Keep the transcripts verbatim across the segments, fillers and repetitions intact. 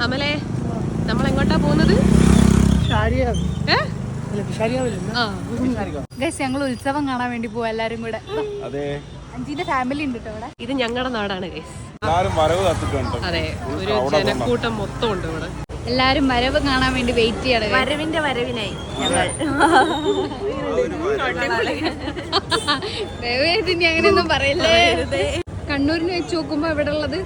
അമലേ നമ്മളെങ്ങോട്ടാ പോകുന്നത്? ഞങ്ങൾ ഉത്സവം കാണാൻ വേണ്ടി പോവാ എല്ലാരും കൂടെ. അഞ്ചിന്റെ ഫാമിലി ഉണ്ട് ഇവിടെ. ഇത് ഞങ്ങളുടെ നാടാണ് ഗൈസ്. അതെ, ഒരു ജനക്കൂട്ടം മൊത്തം ഉണ്ട് ഇവിടെ. എല്ലാരും വരവ് കാണാൻ വേണ്ടി വെയിറ്റ് ചെയ്യണം. വരവിന്റെ വരവിനായി ദയവേദിനി അങ്ങനെയൊന്നും പറയല്ലേ. കണ്ണൂരിനെ വെച്ച് നോക്കുമ്പോ ഇവിടെ ഉള്ളത്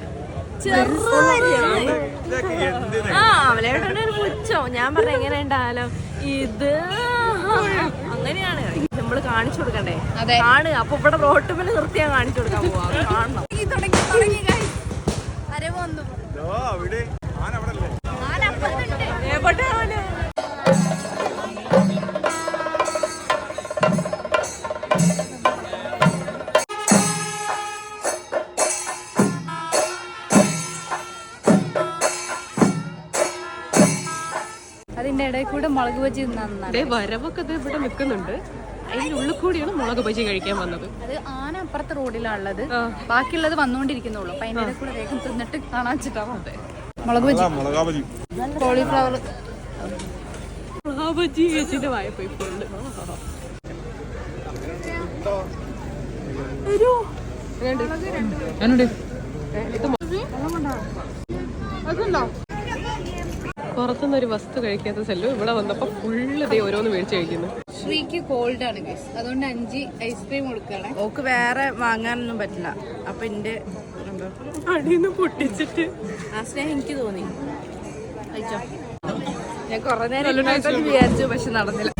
പുച്ഛോ. ഞാൻ പറഞ്ഞ എങ്ങനെ ഉണ്ടായാലോ ഇത് അങ്ങനെയാണ് നമ്മള് കാണിച്ചു കൊടുക്കണ്ടേ. കാണുക അപ്പൊ ഇവിടെ റോട്ട് മേലെ നിർത്തിയാ കാണിച്ചു കൊടുക്കാൻ പോവാ. കാണണം. അതിന്റെ ഇടയിൽ കൂടെ മുളക് ബജി നന്നായി. വരവൊക്കെ ഇവിടെ നിൽക്കുന്നുണ്ട്. അതിന്റെ ഉള്ളിൽ കൂടിയാണ് മുളക് ബജി കഴിക്കാൻ വന്നത്. അത് ആന അപ്പുറത്തെ റോഡിലാണുള്ളത്. ബാക്കിയുള്ളത് വന്നോണ്ടിരിക്കുന്നുള്ളൂ. അപ്പൊ അതിന്റെ കൂടെ വേഗം തിന്നിട്ട് കാണാൻ വെച്ചിട്ടാണ്. മുളക് ബജി, കോളിഫ്ലവർ ബജി ചേച്ചിന്റെ വായ്പ ഇപ്പോഴുണ്ട്. പുറത്തുനിന്നൊരു വസ്തു കഴിക്കാത്ത സെല്ലു ഇവിടെ വന്നപ്പോ ഫുള്ള് ദേ ഓരോന്ന് മേടിച്ച് കഴിക്കുന്നു. ശ്രീക്ക് കോൾഡ് ആണ് ഗൈസ്, അതുകൊണ്ട് അഞ്ച് ഐസ്ക്രീം കൊടുക്കുകയാണ്. ഓക്ക് വേറെ വാങ്ങാനൊന്നും പറ്റില്ല. അപ്പൊ എന്റെ അടിന്ന് പൊട്ടിച്ചിട്ട് ആ സ്നേഹം എനിക്ക് തോന്നി. ഞാൻ കൊറേ നേരം വിചാരിച്ചു, പക്ഷെ നടന്നില്ല.